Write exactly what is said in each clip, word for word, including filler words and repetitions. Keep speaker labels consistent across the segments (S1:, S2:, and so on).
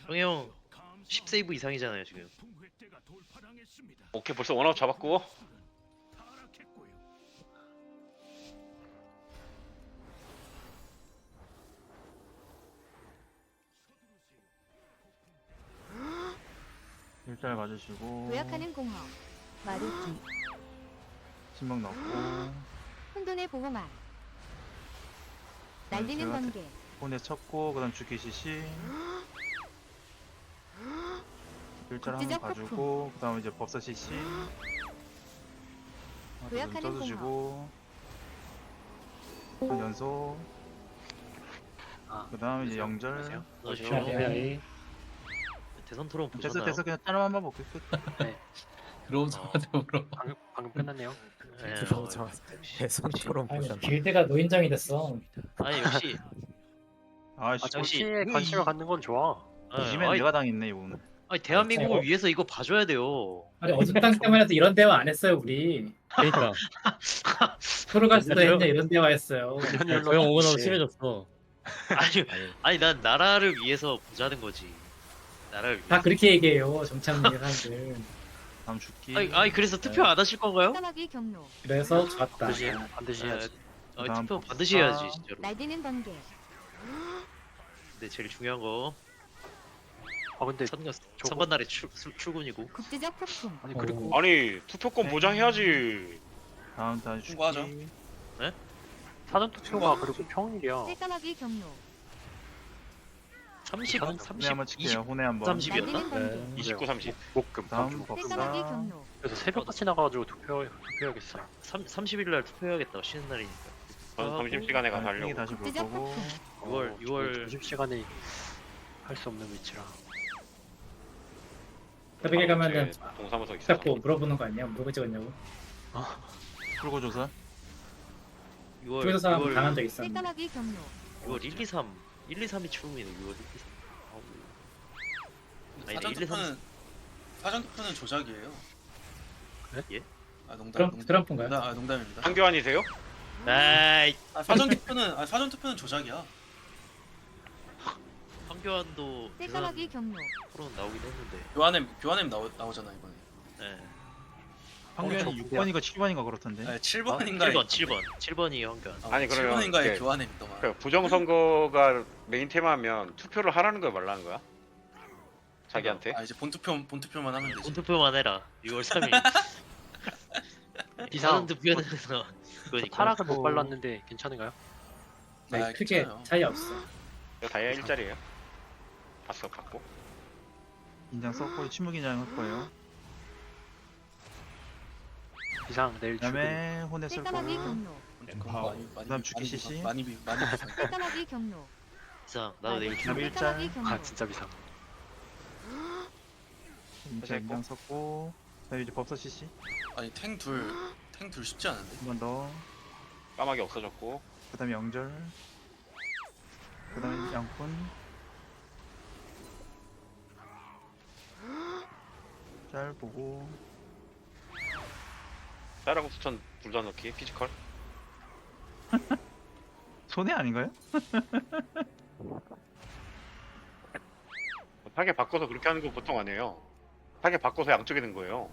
S1: 형이 형 십 세이브 이상이잖아요 지금.
S2: 오케이 벌써 원아웃 잡았고.
S3: 일자를 맞으시고
S4: 도약하는 공허, 마루기,
S3: 신명 넣고
S4: 혼돈의 보호막, 날리는
S3: 제가
S4: 번개,
S3: 혼에 쳤고 그 다음 주기 시시 일자를 한번
S4: 국지적
S3: 봐주고 그 다음 이제 법사 시시
S4: 도약하는
S3: 떠주시고 한 연속
S5: 아,
S3: 그 다음 이제
S5: 그래서
S3: 영절
S5: 그러세요?
S1: 넣으시오.
S5: 네.
S1: 대선 토론
S3: 됐어
S1: 보셨나요?
S3: 됐어 그냥 짜름 한번 볼게 끝.
S5: 네.
S6: 들어오자마자 물어.
S5: 방금 방금 끝났네요.
S1: 네,
S6: 들어오자마자
S1: 어, 역시,
S6: 대선
S1: 역시.
S6: 토론
S7: 아니
S6: 보셨나?
S7: 길드가 노인정이 됐어.
S1: 아니 역시
S3: 아씨
S5: 아,
S1: 정치-
S5: 정치에 관심을 갖는 건 좋아.
S1: 아,
S3: 이지면
S1: 아니,
S3: 내가 당했네 이거는.
S1: 아니 대한민국을
S7: 아니,
S1: 위해서 이거 봐줘야 돼요.
S7: 아니 어젯당 때문에 해도 이런 대화 안 했어요 우리.
S6: 그러니까
S7: 프로가스도 했냐 이런 대화 했어요.
S6: 조용 오고 나서 심해졌어.
S1: 아니
S6: 아니,
S1: 아니 난 나라를 위해서 보자는 거지. 나라를 위해.
S7: 다 그렇게 얘기해요 정창민 사람들.
S3: 다음 죽기
S1: 아니, 아니 그래서 투표 안 하실 건가요?
S4: 까마귀 경로,
S7: 그래서 좋았다.
S5: 반드시 반드시 해야지.
S1: 아,
S3: 그다음
S1: 투표
S3: 법사.
S1: 반드시 해야지 진짜로.
S4: 날리는 번개,
S1: 근데 제일 중요한 거
S5: 아 근데
S1: 선거
S5: 저거-
S1: 선거 날에 출, 출- 출근이고.
S4: 국지적 폭풍,
S5: 아니 그리고
S2: 아니 투표권 보장해야지.
S3: 다음 다시 죽기
S8: 통과하죠.
S5: 사전 투표가 그리고 평일이야.
S4: 뜰까마귀 경로,
S1: 삼십,
S5: 혼에
S3: 혼에
S1: 삼십,
S3: 한번 칠게요
S1: 이십,
S3: 혼에 한번
S1: 삼십이었나?
S4: 날리는 번개,
S6: 네.
S2: 이십구, 삼십.
S5: 목금
S3: 다음
S5: 다음 주.
S4: 뜰까마귀
S3: 법사
S4: 경로,
S5: 그래서 새벽같이 나가가지고 투표 투표해야겠어요.
S1: 삼, 삼십 일 날 투표해야겠다. 쉬는 날이니까.
S2: 전 점심시간에 가서
S3: 땡이
S2: 하려고.
S3: 다시 볼
S4: 국지적
S3: 거고
S4: 폭풍,
S1: 유월,
S5: 어,
S1: 유월.
S5: 점심 시간에 할 수 없는 위치라.
S7: 새벽에 가면은
S2: 제 동사무소 있어서.
S7: 자꾸 물어보는 거 아니야? 뭐가 찍었냐고.
S3: 풀고 조사
S1: 유월,
S7: 중에서 사람
S1: 유월,
S7: 당한 적 있었는데.
S4: 뜰까마귀 경로,
S1: 유월 일, 이, 삼, 일, 이, 삼이 출근이네. 유월 일, 이, 삼. 아니,
S8: 사전
S1: 일, 이, 삼.
S8: 투표는 사전 투표는 조작이에요.
S5: 그래?
S1: 예?
S8: 아 농담.
S7: 트럼-
S8: 농담.
S7: 트럼프인가요?
S8: 농담, 아 농담입니다.
S2: 한교환이세요?
S1: 에이,
S8: 아, 사전 투표는 아 사전 투표는 조작이야.
S1: 황교안도
S4: 뜰까마귀
S1: 대선
S4: 경로,
S1: 토론 나오긴 했는데.
S8: 교환엠 교환엠 나오 나오잖아 이번에.
S1: 예.
S3: 황교안이
S5: 저
S3: 육 번인가 칠 번인가 그렇던데
S8: 아, 칠 번인가.
S1: 칠 번, 칠 번, 칠 번이 황교안.
S2: 아니,
S8: 칠
S2: 그러면
S8: 번인가의
S2: 이게-
S8: 교환엠 있더만.
S2: 그 부정선거가 메인 테마면 투표를 하라는 거야 말라는 거야? 자기한테?
S8: 아 이제 본 투표 본 투표만 하면 되지.
S1: 본투표만 해라. 유월 삼 일.
S5: 이상.
S1: 다른 투표는 그거니까.
S5: 타락을 못 발랐는데 괜찮은가요?
S7: 네,
S8: 아,
S7: 크게
S8: 괜찮아요.
S7: 차이 없어.
S2: 이거 다이아 일자리에요. 봤어 봤고.
S3: 인장 썼고 침묵 인장 할 거예요
S5: 이상 내일
S3: 그
S5: 출근.
S3: 다음에 혼에 쓸 거고
S4: 뜰까마귀 경로,
S8: 엠파워. 많이 많이
S3: 그다음 주기 시시.
S8: 많이 비 많이 비.
S4: 뜰까마귀 경로,
S1: 이상 나도 내일
S3: 그다음
S1: 출근.
S3: 일자
S4: 뜰까마귀 경로,
S5: 아 진짜 비상.
S3: 인장 인장 썼고 그 다음에 이제 법사 시시
S8: 아니 탱 둘 탱 둘 쉽지 않은데.
S3: 한 번 더
S2: 까마귀 없어졌고.
S3: 그 다음에 영절 그 다음에 양푼 짤 보고
S2: 쌀하고 수천 둘 다 넣기 피지컬.
S3: 손해 아닌가요?
S2: 타겟 바꿔서 그렇게 하는 거 보통 안 해요. 타겟 바꿔서 양쪽에 는 거예요.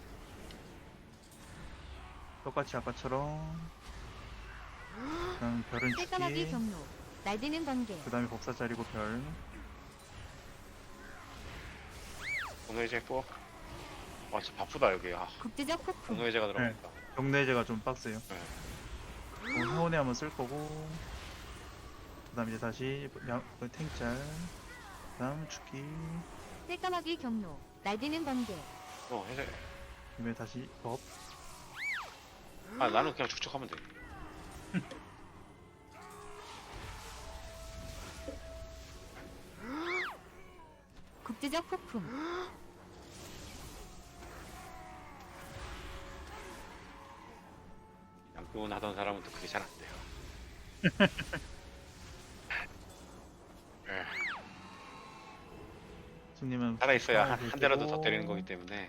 S3: 똑같이 아까처럼 그 다음 별은
S4: 뜰까마귀
S3: 주기
S4: 경로, 날리는 번개,
S3: 그 다음에 법사 짜리고 별
S2: 공회제 포. 와 진짜 바쁘다 여기. 아
S4: 국지적 폭풍,
S2: 공회제가 들어갔다.
S3: 경내제가 좀 빡세요
S2: 네.
S3: 어, 회원에 한번 쓸 거고 그 다음 이제 다시 양, 그 탱짤 그 다음 죽기
S4: 뜰까마귀 경로, 날리는 번개,
S2: 어 해제.
S3: 그다음에 다시 법
S2: 아 나는 그냥 축축하면 돼.
S4: 국지적 폭풍,
S2: 양교원 하던 사람은 또 그게 잘 안 돼요. 에,
S3: 손님은
S2: 살아 있어야
S3: 아,
S2: 한, 한 대라도 더 때리는 거기 때문에.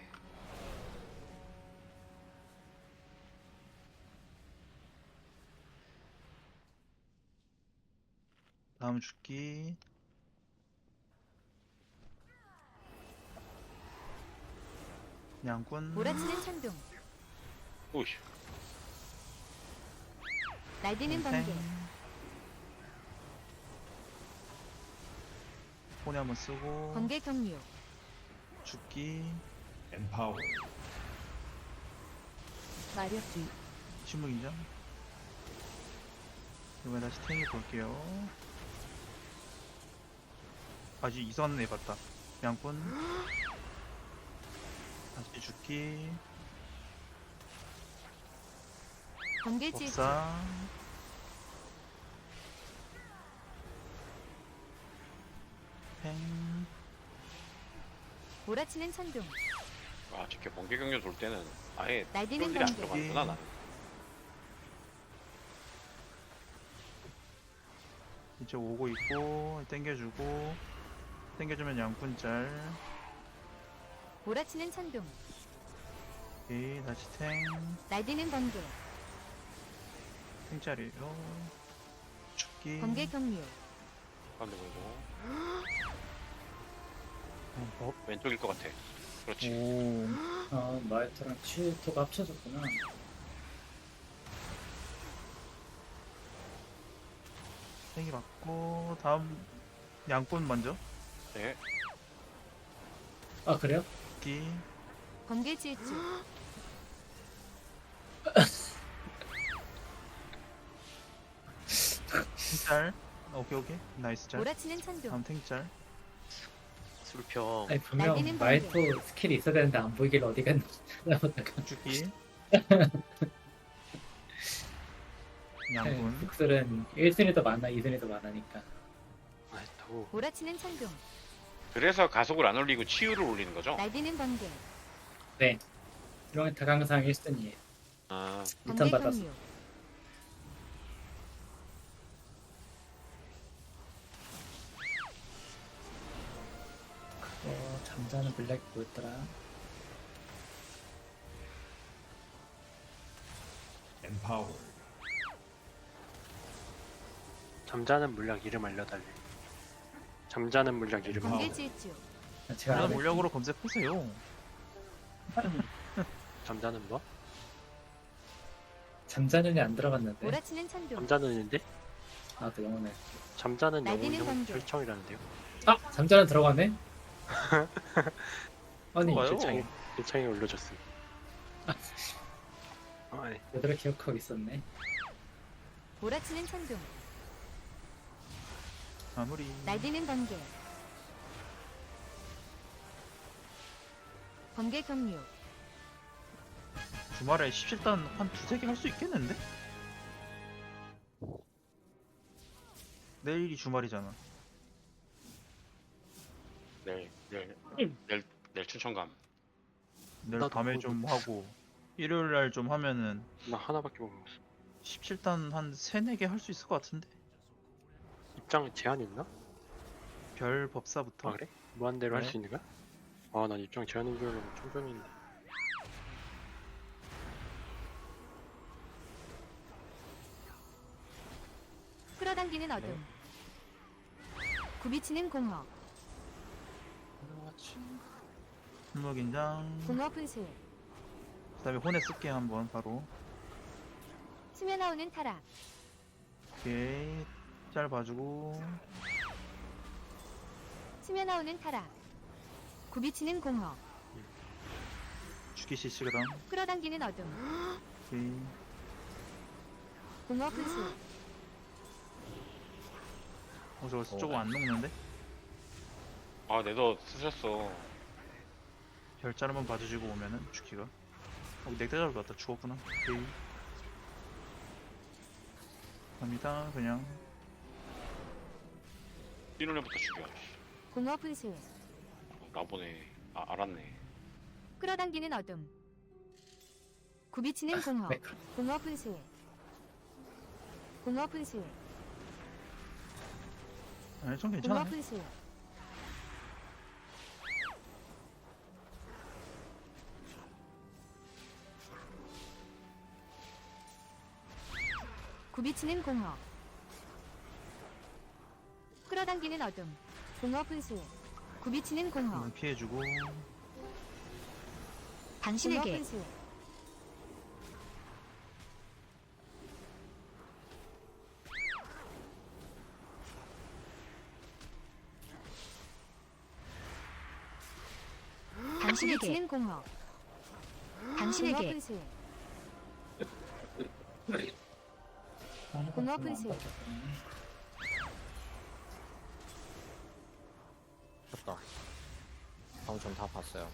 S3: 다음 죽기 양꾼.
S4: 몰아치는 천둥.
S2: 오이씨.
S4: 날뛰는
S3: 탱.
S4: 번개.
S3: 혼에 한번 쓰고.
S4: 번개 경류.
S3: 죽기.
S9: Empower.
S4: 마력기.
S3: 침묵인장. 이번에 다시 탱이 볼게요. 아직 이선 해봤다. 양꾼. 다시 죽기.
S4: 번개 질주.
S3: 법사. 팽.
S4: 몰아치는 천둥.
S2: 아, 저렇게 번개 경련 돌 때는 아예
S4: 날뛰는
S2: 쫄들이 안
S4: 번개.
S2: 들어가는구나 나는.
S3: 이제 오고 있고 땡겨주고 땡겨주면 양꾼짤.
S4: 몰아치는 천둥.
S3: 오케이 다시 탱.
S4: 날뛰는 번개.
S3: 탱짤이에요. 죽기.
S4: 번개 경류.
S2: 가운데 보이고
S3: 어, 법.
S2: 왼쪽일 것 같아. 그렇지.
S3: 오.
S7: 아 마이트랑 치토가 합쳐졌구나.
S3: 탱이 맞고 다음 양꾼 먼저.
S2: 네.
S7: 아 그래요?
S3: 죽기.
S4: 번개 질주.
S3: 탱짤. 오케이 오케이 나이스 짤.
S4: 몰아치는 천둥.
S3: 다음 탱짤.
S1: 술평.
S7: 아니 분명
S4: 날뛰는
S7: 마이토 스킬이 있어야 되는데 안 보이길래 어디 갔나 찾아보다가
S3: 죽기.
S7: 네,
S3: 양꾼.
S7: 북슬은 일 순위 더 많아 이 순위 더 많으니까.
S5: 아, 또
S4: 몰아치는 천둥.
S2: 그래서 가속을 안 올리고 치유를 올리는 거죠?
S4: 날뛰는 번개.
S7: 이런 다강상 일 순위에요.
S2: 아,
S7: 리턴
S4: 번개
S7: 받았어.
S4: 경류.
S7: 어, 잠자는 블랙 뭐였더라?
S9: Empower.
S5: 잠자는 물약 이름 알려달래. 잠자는 물약 이름.
S4: 번개 질주.
S7: 아, 제가
S3: 그냥
S7: 안
S3: 물약으로 검색하세요.
S5: 잠자는 뭐?
S7: 잠자는이 안 들어갔는데.
S4: 몰아치는 천둥.
S5: 잠자는인데?
S7: 아또 영혼에.
S5: 잠자는
S4: 날뛰는
S5: 영웅
S4: 번개.
S5: 혈청이라는데요.
S7: 아 잠자는 들어가네? 아니
S3: 좋아요.
S5: 일창에 일창에 올려줬음. 아, 네.
S7: 얘들아 기억하고 있었네.
S4: 몰아치는 천둥.
S3: 마무리.
S4: 날뛰는 번개. 번개 경류.
S3: 주말에 십칠 단 한 두세 개 할 수 있겠는데? 내일이 주말이잖아.
S2: 내일, 내일, 내일, 내일 춘천감.
S3: 내일
S5: 나도
S3: 밤에
S5: 그거
S3: 좀 하고 일요일 날 좀 하면은
S5: 나 하나밖에 못 먹었어.
S3: 십칠 단 한 세네 개 할 수 있을 것 같은데?
S5: 입장 제한 있나?
S3: 별 법사부터.
S5: 아 그래? 무한대로 할
S3: 네.
S5: 수 있는 거야? 아 난 입장 제한인 줄 알고 충전이 있네.
S4: 끌어당기는 어둠. 굽이치는 공허.
S3: 분무긴장.
S4: 공허 분수.
S3: 그 다음에 혼에 쓸게 한번 바로.
S4: 스며나오는 타락.
S3: 오케이. 짤 봐주고.
S4: 스며나오는 타락. 굽이치는 공허.
S3: 죽기 실시 그럼.
S4: 끌어당기는 어둠.
S3: 오케이.
S4: 공허 분수.
S3: 어 저거 조금 안 녹는데?
S2: 아, 내도 쓰셨어.
S3: 별짤 한번 봐주시고 오면은 죽기가. 어 넥타 잡을 것 같다. 죽었구나. 오케이. 갑니다. 그냥.
S2: 뛰는 애부터 죽여.
S4: 공허 분수.
S2: 나보네. 아, 알았네.
S4: 끌어당기는 어둠. 굽이치는 공허.
S7: 네.
S4: 공허 분수. 공허 분수.
S3: 아니 좀
S4: 공허
S3: 괜찮아.
S4: 분수. 굽이치는 공허. 끌어당기는 어둠. 공허 분수. 굽이치는 공허.
S3: 한번 피해주고.
S4: 당신에게 당신에게 공허 당신에게 분수 공허 분수
S10: 다 방금 전 다 봤어요.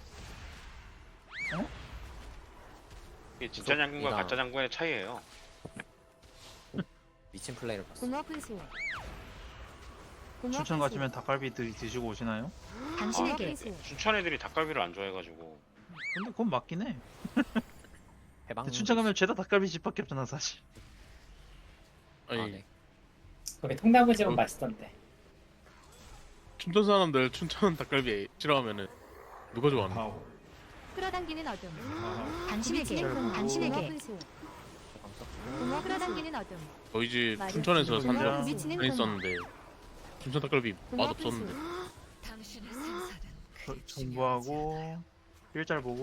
S2: 이게 진짜 장군과
S10: 이나.
S2: 가짜 장군의 차이예요.
S10: 미친 플레이를 봤어.
S4: 공허 분수 공허
S3: 춘천
S4: 분수.
S3: 가시면 닭갈비 드, 드시고 오시나요?
S4: 당신에게
S2: 춘천 애들이 닭갈비를 안 좋아해가지고.
S3: 근데 그건 맞긴 해.
S10: 해방.
S3: 근데 춘천 가면 죄다 닭갈비 집밖에 없잖아 사실.
S10: 아,
S6: 아니
S10: 네.
S7: 거기 통나무집은 맛있던데.
S6: 춘천 사람들 춘천 닭갈비 싫어하면은 누가 좋아하는?
S9: Empower.
S4: 끌어당기는 어둠
S9: Empower.
S4: 당신에게
S3: 공허.
S4: 당신에게 분수 공허 끌어당기는 어둠
S6: 저희 집
S4: 말이-
S6: 춘천에서 산
S3: 공허
S4: 미치는
S6: 산
S4: 공허
S6: 있었는데 춘천 닭갈비
S4: 공허
S6: 맛 없었는데.
S3: 저- 정보하고 일잘 보고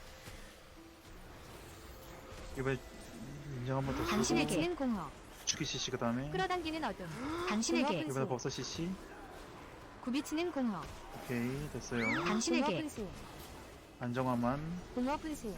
S3: 이번에 인정 한번 더 쓰고
S4: 당신에게 공허
S3: 축기 씨씨 그 다음에
S4: 끌어당기는 어둠 당신에게
S3: 이번에 법사 씨씨.
S4: 굽이치는 공허
S3: 오케이 됐어요.
S4: 당신에게 분수
S3: 안정화만.
S4: 공허 분수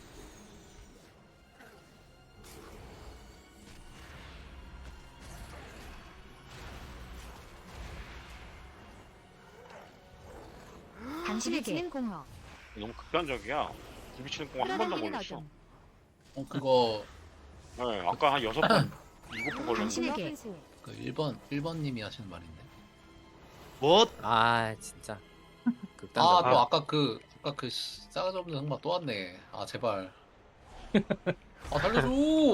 S4: 당신에게 공허
S2: 너무 극단적이야. 굽이치는 공 한 번 더
S4: 끌어당기는
S2: 걸렸어.
S4: 어둠
S8: 어 그거
S2: 네, 아까 한 여섯 번, 일곱 번 걸렸는데.
S4: 당신에게 분수
S8: 그 일 번 일 번님이 하시는 말인데.
S1: 뭐?
S10: 아 진짜.
S8: 아
S10: 극단적.
S8: 또 아까 그 아까 그 씨, 싸가지 없는 형마 또 왔네. 아 제발. 아 살려줘.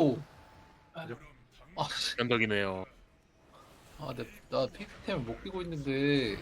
S8: 아, 씨.
S6: 극단적이네요.
S8: 아, 내, 나 픽템을 못 끼고 있는데.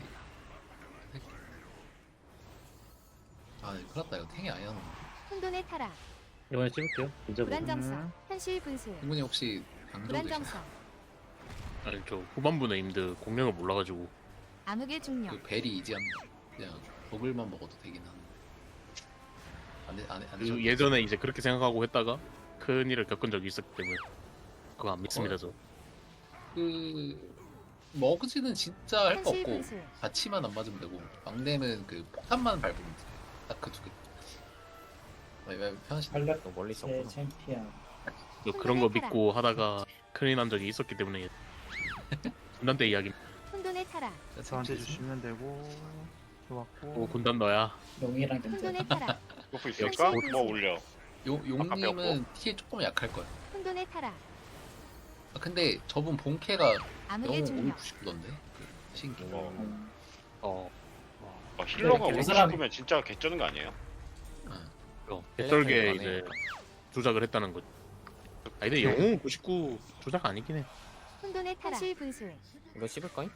S8: 아, 큰일 났다. 이거 탱이 아니야.
S4: 혼돈의 타락
S6: 이번에 찍을게요. 진짜
S4: 불안정성
S3: 음.
S4: 현실 분수
S8: 이분이 혹시 강조 되시나요?
S4: 불안정성
S6: 아니 저 후반부에 임드 공략을 몰라가지고
S4: 암흑의 중력
S8: 그 벨이 이지한 그냥 버블만 먹어도 되긴 하는데. 안 돼, 안 돼, 안 돼.
S6: 그 예전에 이제 그렇게 생각하고 했다가 큰 일을 겪은 적이 있었기 때문에 그거 안 믿습니다 저.
S8: 그 머그지는 진짜 할 거
S4: 현실
S8: 없고
S4: 분수
S8: 같이만 안 맞으면 되고 막내는 그 폭탄만 밟으면 돼. 딱 그 두 개. 왜, 왜 편하시?
S7: 전략
S10: 너무 멀리
S7: 제
S10: 있었구나.
S7: 챔피언.
S6: 또 그런 거 믿고 하다가 큰일 난 적이 있었기 때문에 군단 때 이야기.
S4: 혼돈의 타락
S3: 저한테 주시면 되고 좋았고.
S6: 오 군단 너야.
S7: 용이랑 경쟁.
S4: 혼돈의 타락
S2: 이거 있을까?
S4: 역시
S2: 뭐 올려.
S8: 용
S2: 아까
S8: 용님은 티에 조금 약할 거야.
S4: 혼돈의 타락
S8: 아, 근데 저분 본캐가
S4: 암흑의
S8: 영웅
S4: 중력
S8: 오백구십구던데. 그 신기.
S2: 어.
S7: 음,
S6: 어.
S2: 아, 힐러가
S7: 그
S2: 오십
S7: 사람-
S2: 면 진짜 개쩌는 거 아니에요?
S6: 어. 개떨게
S10: 텔레폰이
S6: 이제
S10: 많으니까.
S6: 조작을 했다는 거지. 아 근데 영웅 구십구 조작 아니긴 해.
S4: 혼돈의 타락 현실 분수
S10: 이거 씹을 거임?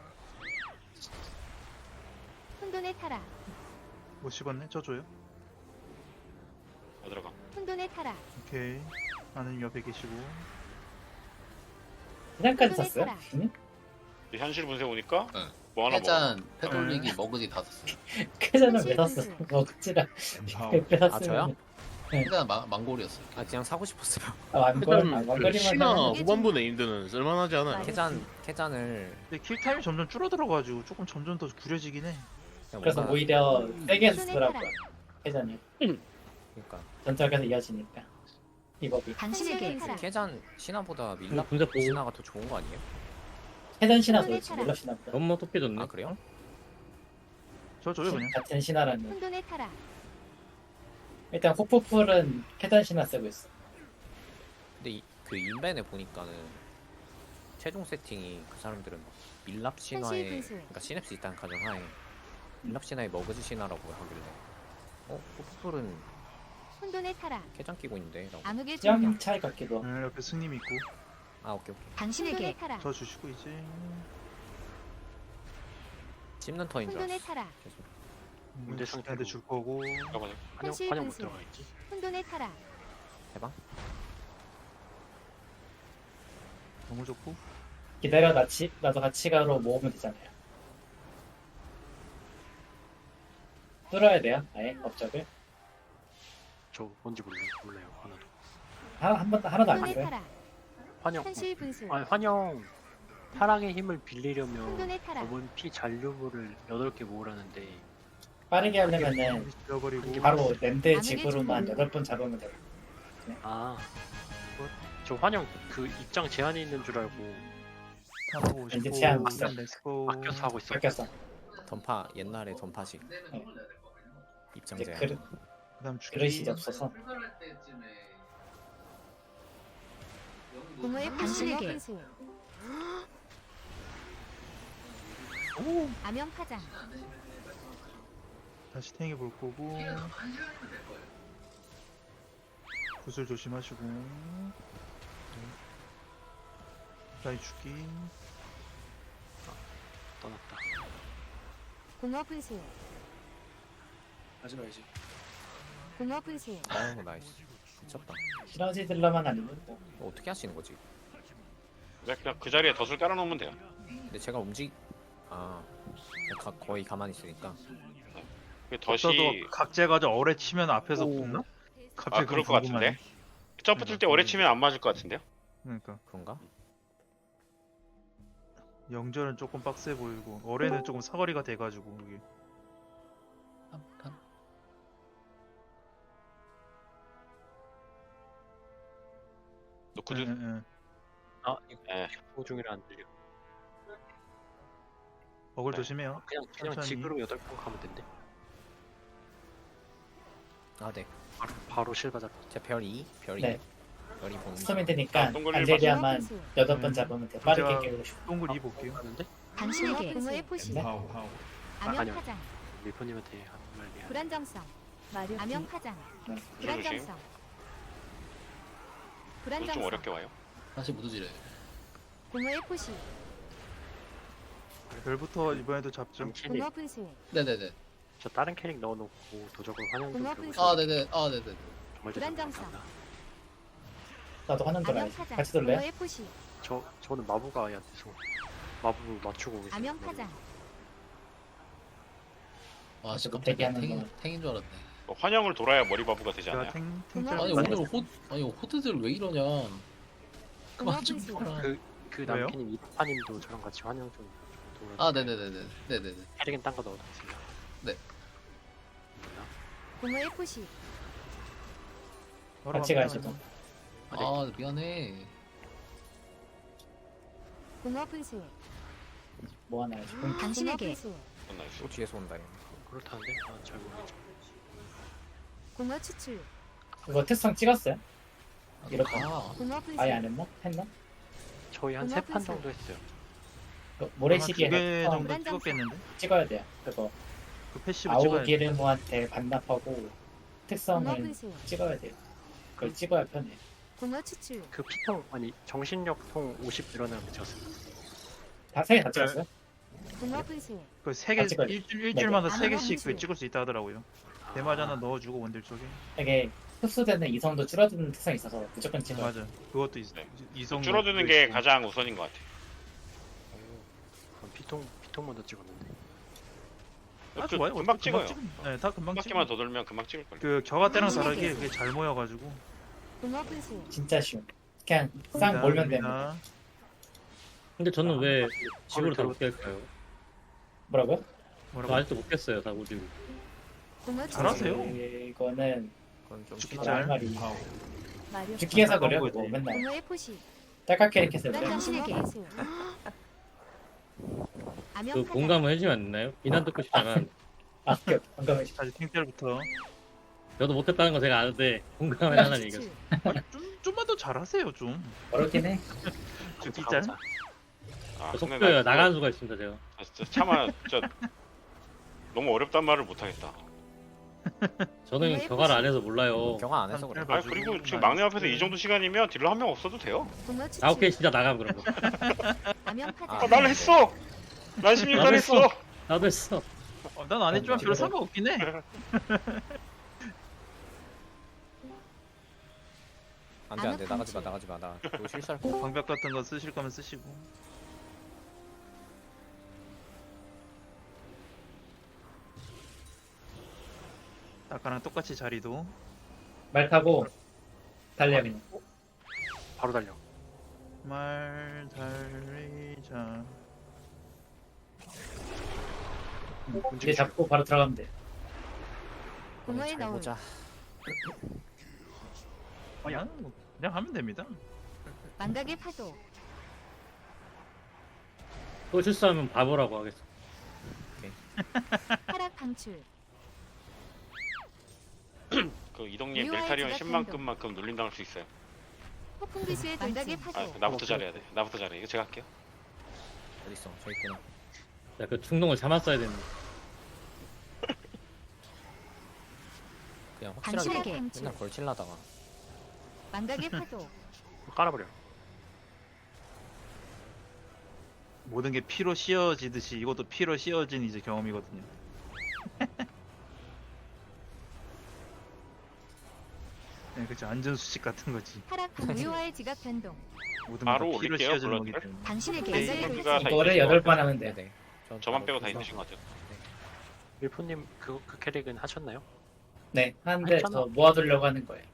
S4: 혼돈의 타락
S3: 못 씹었네. 저 줘요.
S2: 어 들어가.
S4: 혼돈의 타락
S3: 오케이. 나는 옆에 계시고.
S7: 그냥까지
S4: 혼돈의
S7: 샀어요?
S4: 타락.
S7: 응?
S2: 이제 현실 분쇄 오니까
S8: 응.
S2: 뭐 하나 먹어.
S8: 해잔 패돌리기 머그지 다 샀어요.
S7: 캐자는
S4: 현실
S7: 왜 샀어?
S4: 분수.
S7: 먹지라
S9: Empower.
S7: 뺐었으면.
S10: 아, 저요?
S8: 해잔 망- 망골이었어요.
S10: 아 그냥 사고 싶었어요.
S7: 아 완걸 아,
S6: 일단 그
S7: 완걸이만
S6: 신화
S7: 사면
S4: 이게
S6: 후반부 네임드는 쓸만하지 않아요.
S4: 맞아.
S10: 캐잔 캐잔을
S3: 근데 킬 타임이 점점 줄어들어가지고 조금 점점 더 구려지긴 해.
S10: 그냥
S7: 그래서
S10: 뭔가-
S7: 오히려 세게
S4: 혼돈의
S7: 쓰더라고요.
S4: 타락
S7: 캐자는
S10: 그러니까
S7: 전작에서 이어지니까 이 법이.
S4: 당신에게 타락
S10: 캐잔 신화보다 밀랍
S6: 군대 보고
S10: 신화가 더 좋은 거 아니에요?
S7: 캐전 신화도
S4: 혼돈의
S7: 그렇지
S4: 타락.
S7: 몰라 신화보다.
S6: 너무 토끼 줬네.
S10: 아 그래요?
S3: 저 줘요 그냥.
S7: 같은 신화라는.
S4: 혼돈의 타락
S7: 일단 호프풀은 캐전 신화 쓰고 있어.
S10: 근데 이, 그 인벤에 보니까는 최종 세팅이 그 사람들은 막 밀랍 신화에
S4: 현실 분수.
S10: 그러니까 시냅스 있다는 가정하에 밀랍 신화에 머그지 신화라고 하길래 어? 포프풀은
S4: 혼돈의 타락
S10: 캐잔 끼고 있는데 라고
S4: 암흑의
S7: 취향
S4: 중력
S7: 차이 같기도. 하고.
S3: 네, 옆에 승님 있고.
S10: 아 오케이 오케이
S4: 당신에게 타락
S3: 저 주시고 이제.
S10: 씹는 터인 줄
S4: 혼돈의
S10: 알았어
S4: 타락
S10: 계속
S3: 문제 상태한테 줄 거고.
S2: 잠깐만요.
S6: 환영
S4: 현실
S6: 환영 못
S4: 분수.
S6: 들어가 있지.
S4: 혼돈의 타락
S10: 해봐
S3: 너무 좋고.
S7: 기다려 나치 나도 같이 가로 모으면 되잖아요. 뚫어야 돼요. 아예 업적을.
S5: 저 뭔지 몰라요. 몰라요. 하나도.
S7: 하나 한 번도 하나도 안
S4: 혼돈의
S7: 돼요.
S4: 타락.
S5: 환영.
S4: 현실 분수.
S5: 아니 환영. 타락의 힘을 빌리려면
S4: 혼돈의 타락.
S5: 저번 피 잔류물을 여덟 개 모으라는데
S7: 빠르게 하려면은
S3: 잃어버리고
S7: 바로 랜드
S4: 암흑의
S7: 지구로만
S4: 주문.
S7: 여덟 번 잡으면 돼요.
S5: 아. 저 환영 그 입장 제한이 있는 줄 알고
S3: 탐하고
S7: 이제
S3: 오십오.
S7: 제한 있어.
S3: 렛츠고.
S5: 아껴서 하고 있어.
S7: 바뀌었어.
S10: 던파 옛날에 던파식 입장
S7: 이제
S10: 제한.
S7: 그릇
S3: 그다음 주기.
S7: 그릇이 없어서
S4: 공허의 당신에게 분수. 암영 파장.
S3: 다시 탱해 볼 거고. 구슬 조심하시고. 다시 죽기.
S5: 떠났다.
S4: 공허 분수.
S5: 하지 말지.
S4: 공허 분수.
S10: 어 나이스. 미쳤다.
S7: 시너지들러만 아니면 뭐
S10: 이거 어떻게 하시는 거지?
S2: 그냥, 그냥 그 자리에 덫을 깔아놓으면 돼요.
S10: 근데 제가 움직 아 그냥 가, 거의 가만히 있으니까
S2: 그
S3: 어떠도
S2: 덫이
S3: 각재 가져 어뢰 치면 앞에서
S10: 오.
S3: 붙나?
S2: 아
S3: 갑자기
S2: 그럴 것
S3: 그거 궁금하네.
S2: 같은데. 점프 뜰 때 오래 치면 안 맞을 것 같은데요?
S3: 그러니까
S10: 그런가?
S3: 영절은 조금 빡세 보이고 어뢰는 조금 사거리가 돼가지고 이게.
S2: 노크드.
S3: 응, 응, 응.
S5: 아 이거
S2: 예.
S5: 보 중이라 안 들려.
S3: 어글
S2: 네.
S3: 조심해요.
S5: 그냥 그냥
S3: 천천히.
S5: 지그로 여덟 번 가면 된대.
S10: 아 네.
S5: 바로 바로 실바 잡.
S10: 제별 이, 별 이,
S7: 네.
S10: 별이 보는
S7: 스톰이
S10: 중.
S7: 되니까
S2: 아, 동굴
S7: 알제리아만
S4: 분수.
S7: 여덟 번
S3: 음.
S7: 잡으면 돼. 빠르게
S3: 제가-
S7: 깨우고 싶어.
S3: 동굴 이 볼게요.
S5: 하는데
S4: 당신에게 공허의 포시.
S9: Empower. Power.
S4: 암영
S5: 아니요.
S4: 파장.
S5: 밀포님한테 하는 말 미안.
S4: 불안정성. 암영 파장.
S7: 네.
S4: 불안정성.
S2: 좀
S4: 불안정성.
S2: 어렵게 와요.
S8: 다시 무드지래.
S4: 공허의 포시.
S3: 별부터 이번에도 잡죠.
S5: 캐릭
S4: 공허 분수.
S8: 네네네.
S5: 저 다른 캐릭 넣어놓고 도적을 환영 좀
S4: 공허
S5: 들고
S4: 분수.
S5: 있어요.
S8: 아 네네. 아 네네.
S5: 정말
S4: 불안정성.
S5: 죄송합니다.
S7: 나도 하는
S4: 암영
S7: 거라야지.
S4: 파장.
S7: 같이 돌래?
S4: 공허의 포시.
S5: 저 저는 마부가 야 돼서 마부 맞추고 계세요.
S4: 암영 파장.
S8: 와 진짜
S7: 그거
S8: 깜짝이야.
S7: 대기하는
S8: 탱인
S7: 거.
S8: 탱인 줄 알았네.
S2: 뭐 환영을 돌아야 머리바부가 되지
S3: 제가
S2: 않아요?
S3: 탱
S4: 공허
S3: 탱짤
S8: 아니
S4: 맞아.
S8: 오늘 호 아니 호드들 왜 이러냐.
S4: 공허
S8: 그만 좀
S4: 분수.
S8: 봐라.
S5: 그, 그
S3: 왜요?
S5: 남편님 이파님도 저랑 같이 환영 좀 도와주세요.
S8: 아 네네네네. 네네네.
S5: 캐릭은 딴 거 넣어놨습니다.
S8: 네.
S4: 공허의 포시.
S3: 바로
S7: 같이
S3: 갑니다.
S7: 가시죠.
S8: 아 미안해.
S4: 공허 분수.
S7: 뭐 하나 해야지.
S4: 당신에게 분수.
S2: 그건 나이스.
S10: 또 뒤에서 온다. 얘.
S5: 그렇다는데 아, 잘 모르겠죠.
S4: 공허 추출.
S7: 그거 특성 찍었어요? 이렇게
S8: 아
S4: 공허 분수.
S7: 아예 안 했나? 했나?
S5: 저희 한
S4: 공허
S5: 세 판
S4: 분수.
S5: 정도 했어요.
S7: 그
S3: 아마
S7: 모래시계에
S3: 두개
S7: 특성
S3: 정도
S4: 불안정성.
S3: 찍었겠는데?
S7: 찍어야 돼요. 그거
S3: 그 패시브 찍어야 돼.
S7: 아우기르무한테 반납하고
S4: 공허
S7: 특성을
S4: 분수.
S7: 찍어야 돼요. 그걸 찍어야 편해.
S4: 공허 추출.
S5: 그 피통 아니 정신력통 오십 일어나면 졌어요.
S7: 다세개 다 찍었어요?
S4: 공허 분수.
S3: 그세 개
S7: 아, 찍어요.
S3: 일주일 일주일마다
S4: 네.
S3: 세 개씩
S4: 암흑
S3: 그 찍을 수 있다 하더라고요. 대마자 하나 넣어주고 원딜 쪽에.
S7: 이게 흡수되는 이성도 줄어드는 특성이 있어서 무조건 찍어요.
S3: 맞아. 그것도 있,
S2: 네.
S3: 이성
S2: 줄어드는 게 가장 우선인 것 같아.
S5: 그럼 피통 피통 먼저 찍었는데.
S3: 아,
S2: 그
S3: 좋아요.
S2: 금방
S3: 어차피
S2: 찍어요.
S3: 찍으면- 네, 다 금방
S2: 한
S3: 찍어.
S2: 바퀴만 더 돌면 금방 찍을 걸요.
S3: 그 겨가 때랑
S4: 당신에게.
S3: 다르게 그게 잘 모여가지고.
S4: 공허 분수.
S7: 진짜 쉬워. 그냥 쌍 몰면 됩니다.
S3: 됩니다.
S11: 근데 저는 왜 집으로 다
S5: 들어-
S11: 못 깰까요?
S7: 뭐라고요?
S11: 저
S3: 뭐라고?
S11: 아직도 못 깼어요, 다 오지고.
S4: 공허 추출.
S3: 잘하세요.
S7: 이거는
S10: 그건 좀
S3: 죽기
S10: 심하다.
S3: 짤.
S7: 할 말이
S9: Empower.
S4: 마력.
S7: 죽기 해서 그래요.
S3: 거지.
S7: 그거 맨날
S4: 공허의 포시.
S7: 딸깍 캐릭했을 때
S4: 당신에게 분수. 암영
S11: 그
S4: 파장.
S11: 공감을 해주면 안 되나요? 비난 듣고 싶다면
S7: 아, 그 방금에
S3: 다시 탱짤부터.
S11: 저도 못했다는 거 제가 아는데 공감을 하는 얘기가
S4: 추출.
S3: 아니, 좀 좀만 더 잘하세요 좀.
S7: 어렵긴 해.
S3: 죽기
S5: 다
S3: 짤.
S5: 보자.
S2: 아,
S11: 저
S2: 근데
S11: 속도요
S2: 나
S11: 나가는 수가 있습니다 제가.
S2: 아, 진짜 차마 진짜 너무 어렵단 말을 못 하겠다.
S11: 저는
S4: 공허의
S11: 겨가를 안
S4: 포시.
S11: 해서 몰라요.
S10: 경화 안 해서 그래.
S3: 한
S2: 아 그리고 지금 막내 앞에서 이 정도 시간이면 딜러 한 명 없어도 돼요.
S4: 공허 추출.
S11: 아홉 개 진짜 나가면 그런 거.
S4: 암영 파장.
S2: 아, 난 했어. 난 십육 단
S11: 나도
S2: 했어.
S11: 했어. 나도 했어.
S3: 어, 난 안 했지만 별로 상관없긴 해.
S10: 안돼 안돼
S4: 암흑
S10: 나가지 마
S4: 분출.
S10: 나가지 마 나. 또 실수할 거.
S3: 방벽 같은 거 쓰실 거면 쓰시고. 아까랑 똑같이 자리도.
S7: 말 타고 달려 그냥.
S5: 바로 달려.
S3: 말 달리자.
S7: 이제 잡고 바로 들어가면 돼.
S4: 공허의
S10: 잘
S4: 너울.
S10: 보자.
S3: 그냥 뭐 그냥 하면 됩니다.
S4: 망각의 파도.
S11: 또 실수하면 바보라고 하겠어.
S4: 하락 방출.
S2: 그 이동님
S4: 유아의
S2: 멜타리온
S4: 지각
S2: 십만큼만큼 눌림당할 수 있어요.
S4: 폭풍 기수의 망각의
S2: 아
S4: 파도.
S2: 나부터 잘해야 돼. 나부터 잘해. 이거 제가 할게요.
S10: 어딨어? 저 있구나.
S11: 야, 그 충동을 참았어야 되는데.
S10: 그냥 확실하게
S4: 당신에게.
S10: 맨날 걸칠라다가.
S4: 망각의 파도.
S5: 깔아버려.
S3: 모든 게 피로 씌어지듯이 이것도 피로 씌어진 이제 경험이거든요. 네, 그렇죠. 안전수칙 같은 거지.
S4: 하락 무효화의 지각 변동.
S3: 모든
S2: 바로
S3: 게 피로
S2: 올릴게요,
S3: 씌어지는 거기
S2: 블러드를.
S3: 때문에.
S4: 당신에게
S2: 네,
S4: 망각의
S2: 이거가
S4: 돌진.
S2: 다
S7: 이거를
S2: 있으신
S7: 여덟
S2: 것
S7: 번
S2: 같아요.
S7: 하면 돼.
S10: 네네. 전
S2: 저만
S10: 바로
S2: 빼고 다
S10: 그래서-
S2: 있으신 것 같아요.
S5: 밀포님 그, 그 캐릭은 하셨나요?
S7: 네, 하는데
S5: 했잖아.
S7: 저 모아두려고 하는 거예요.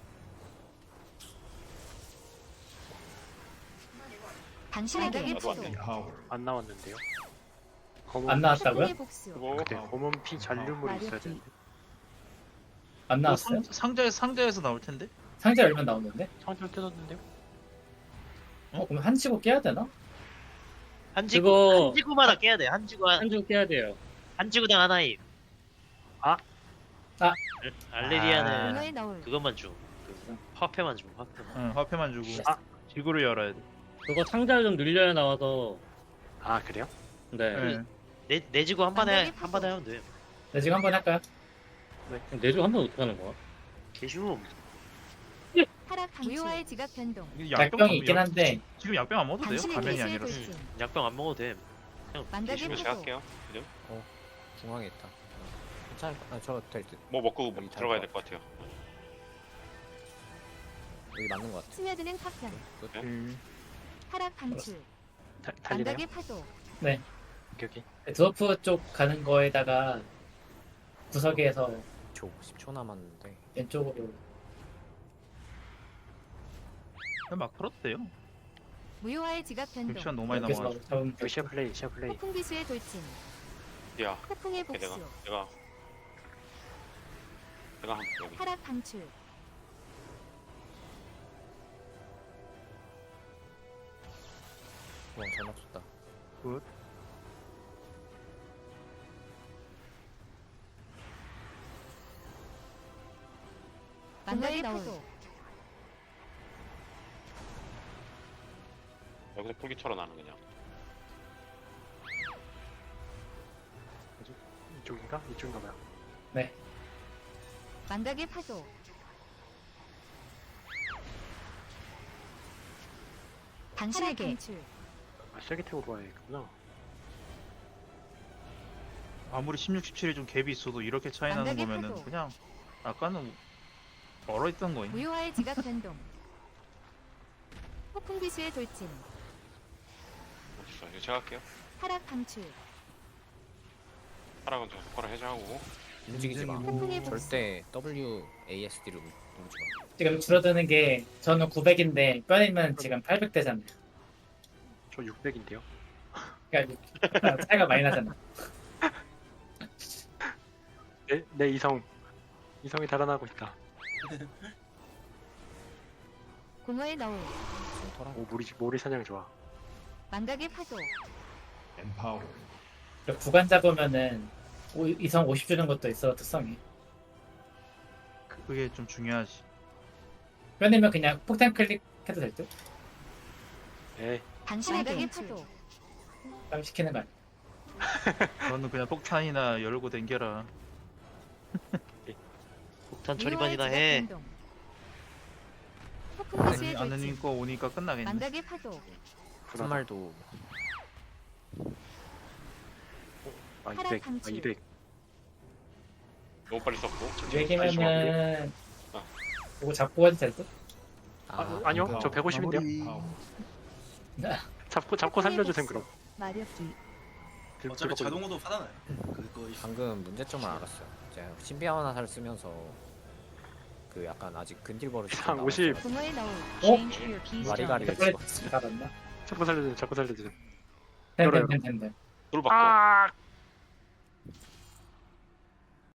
S4: 당신에게
S2: 나도 안
S4: 파도.
S2: 돼.
S9: Empowered.
S5: 안 나왔는데요. 검은
S7: 안 나왔다고요?
S4: 폭풍의 복수.
S2: 그리고
S5: 그때 검은 피 잔류물이 있어야
S4: 마력기.
S5: 되는데
S7: 안
S3: 뭐
S7: 나왔어요?
S3: 상, 상자에 상자에서 나올 텐데.
S7: 상자 열면 나오는데?
S5: 상자를 뜯었는데요.
S7: 어, 그럼 한 치고 깨야 되나?
S1: 한 지구
S11: 그거-
S1: 한 지구마다 깨야 돼. 한 지구 한,
S11: 한줄 깨야 돼요.
S1: 한 지구당 하나임.
S5: 아.
S7: 아.
S1: 알레리아는
S4: 공허의 너울.
S1: 그것만 줘. 그 화폐만 줘. 화폐만.
S3: 응, 화폐만 주고
S5: 아.
S3: 지구를 열어야 돼.
S11: 그거 상자를 좀 늘려야 나와서.
S5: 아 그래요?
S11: 네.
S3: 네.
S1: 내, 내 지구 한 번에
S4: 완전히
S1: 한 번에 하면 돼.
S7: 네, 지금 한번 할까요?
S11: 내주 한번 어떻게 하는 거야?
S1: 개쉬움.
S4: 하락 방출. 무효화의 지각 변동.
S3: 이게
S7: 약병이
S3: 약-
S7: 있긴 한데
S3: 지금 약병 안 먹어도 돼요.
S4: 당신에게
S3: 가면이
S4: 기수의
S3: 아니라서.
S4: 돌진.
S1: 약병 안 먹어도 돼.
S4: 망각의
S2: 계시면 제가
S4: 파도.
S2: 할게요. 그죠?
S10: 중앙에 있다. 괜찮을 거. 아, 저될 듯.
S2: 뭐 먹고
S10: 여기
S2: 들어가야
S10: 잘
S2: 될 것 같아요.
S10: 여기 맞는 것 같아.
S4: 스며드는 파편.
S3: 음,
S4: 하락 방출.
S5: 다, 달리나요?
S4: 망각의 파도.
S5: 여기.
S7: 드워프 쪽 가는 거에다가 구석에서
S10: 초 십 초 남았는데.
S7: 왼쪽으로
S3: 그냥 막 풀어도 돼요.
S4: 무효화의 지각 변동.
S3: 시간 너무 많이
S7: 여기서
S3: 남아가지고.
S7: 잡으면
S5: 여기 시야 플레이 시야 플레이.
S4: 폭풍 기수의 돌진.
S2: 야,
S4: 폭풍의
S2: 오케이, 내가
S4: 복수.
S2: 내가 내가 한 여기.
S4: 하락 방출.
S10: 와, 잘 맞췄다.
S3: 굿.
S4: 망각의 파도.
S2: 여기서 풀기처럼 나는 그냥.
S5: 이쪽인가? 이쪽인가 봐요.
S4: 망각의 파도. 당신에게
S5: 아 셀기텍으로 와야겠구나.
S3: 아무리 십육, 십칠이 좀 갭이 있어도 이렇게 차이 나는
S4: 망각의
S3: 거면은
S4: 파도.
S3: 그냥 아까는 얼어 있던 거임.
S4: 무효화의 지각 변동. 폭풍 기수의 돌진.
S2: 어딨어? 이거 제가 할게요.
S4: 하락 방출.
S2: 하락은 저 손가락 해제하고.
S10: 움직이지 마.
S4: 폭풍의 복수.
S10: 절대 W A S D로 누르지 마.
S7: 지금 줄어드는 게 저는 구백인데 뼈님은 지금 팔백 대잖아요.
S5: 저 육백인데요.
S7: 그러니까 차이가 많이 나잖아.
S5: 내, 내 이성 이성이 달아나고 있다.
S4: 공허의 너울.
S10: 센터랑
S5: 오 모리 모리 사냥 좋아.
S4: 망각의 파도.
S9: Empowered.
S7: 구간 잡으면은 오- 이성 오십 주는 것도 있어 특성이.
S3: 그게 좀 중요하지.
S7: 뼈님은 그냥 폭탄 클릭해도 될 듯?
S5: 에
S4: 당신에게 파도.
S7: 땀 시키는 거 아니야.
S3: 너는 그냥 폭탄이나 열고 댕겨라.
S1: 폭탄
S4: 무효화의
S1: 처리반이나
S4: 지각
S1: 해.
S4: 변동. 폭풍 기수의 돌진.
S3: 아느님 거 오니까 끝나겠네.
S4: 망각의 파도.
S10: 한 말도
S5: 아
S4: 하락
S5: 이백 아
S4: 방출.
S5: 이백.
S2: 너무 빨리 썼고.
S7: 얘기면은
S2: 아.
S7: 이거 잡고 가도 될 듯?
S10: 아,
S5: 아, 아니요 저 백오십인데요.
S9: Empowered.
S5: 잡고 잡고 살려주셈 그럼.
S4: 마력기.
S5: 들-
S12: 어차피
S5: 들어보고
S12: 자동으로 받아놔요. 그거
S10: 방금 문제점을 알았어요. 제가 신비한 화살을 쓰면서 그 약간 아직 근딜 버릇이
S5: 한 오십.
S4: 붕어의 너울.
S7: 어?
S4: Change your keystone.
S10: 와리가리를
S7: 그래
S10: 찍었어.
S7: 잡았나?
S5: 자꾸 살려주세요. 자꾸 살려주세요.
S7: 됨됨됨됨됨.
S2: 돌 바꿔.
S5: 아